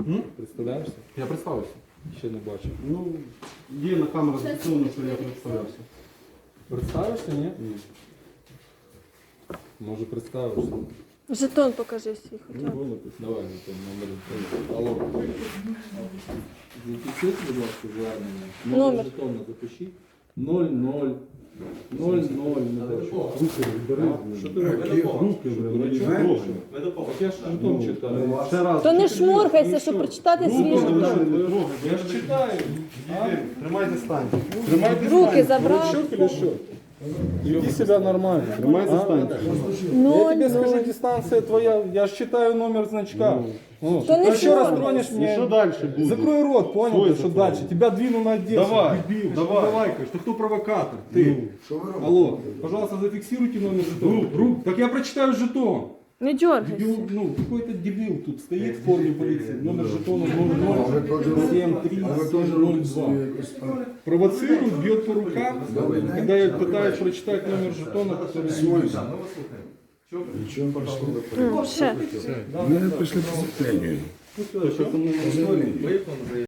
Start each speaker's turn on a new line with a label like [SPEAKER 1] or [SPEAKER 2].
[SPEAKER 1] Представляєшся?
[SPEAKER 2] Я представився.
[SPEAKER 1] Ще не бачив.
[SPEAKER 2] Ну, є на камеру зафіксовано, що я представлявся.
[SPEAKER 1] Представишся, ні?
[SPEAKER 2] Ні.
[SPEAKER 1] Може представишся.
[SPEAKER 3] Жетон покажи свій хоча б.
[SPEAKER 1] Давай, там номер. Алло. Запишіть, будь ласка, звернення.
[SPEAKER 3] Номер.
[SPEAKER 1] Жетонно запишіть. 00. 00.
[SPEAKER 2] Руки бери.
[SPEAKER 1] Що ти робиш?
[SPEAKER 2] Руки бери.
[SPEAKER 1] Так я ж жетон читаю.
[SPEAKER 2] Ще раз.
[SPEAKER 3] То не шморгайся, щоб прочитати свій жетон.
[SPEAKER 1] Я ж читаю.
[SPEAKER 2] Тримайте стань.
[SPEAKER 1] Тримайте
[SPEAKER 3] Руки забрав.
[SPEAKER 1] Щук или что? Веди себя нормально.
[SPEAKER 2] Тримайте стань.
[SPEAKER 1] Я тебе скажу, дистанция твоя. Я ж читаю номер значка. Ну,
[SPEAKER 3] То не
[SPEAKER 1] ты еще раз
[SPEAKER 3] шморгай.
[SPEAKER 1] тронешь
[SPEAKER 2] І
[SPEAKER 1] меня.
[SPEAKER 2] що далі буде?
[SPEAKER 1] Закрой рот, понял?
[SPEAKER 2] Свой
[SPEAKER 1] ты, что
[SPEAKER 2] закрой.
[SPEAKER 1] дальше? Тебя двину на Одессу.
[SPEAKER 2] Давай,
[SPEAKER 1] Дебил,
[SPEAKER 2] давай.
[SPEAKER 1] что ты лайкаешь? Ты кто провокатор? Ты. Алло, пожалуйста, зафиксируйте номер жетона. Так я прочитаю жетон.
[SPEAKER 3] Не дергайся.
[SPEAKER 1] Дебил, ну, какой-то дебил тут стоит в форме полиции. Номер жетона 007302. Провоцирует, бьет по рукам, когда я пытаюсь прочитать номер жетона, который...
[SPEAKER 3] Ще.
[SPEAKER 4] Ми прийшли по запитанню.
[SPEAKER 1] Ну, всё, что-то мы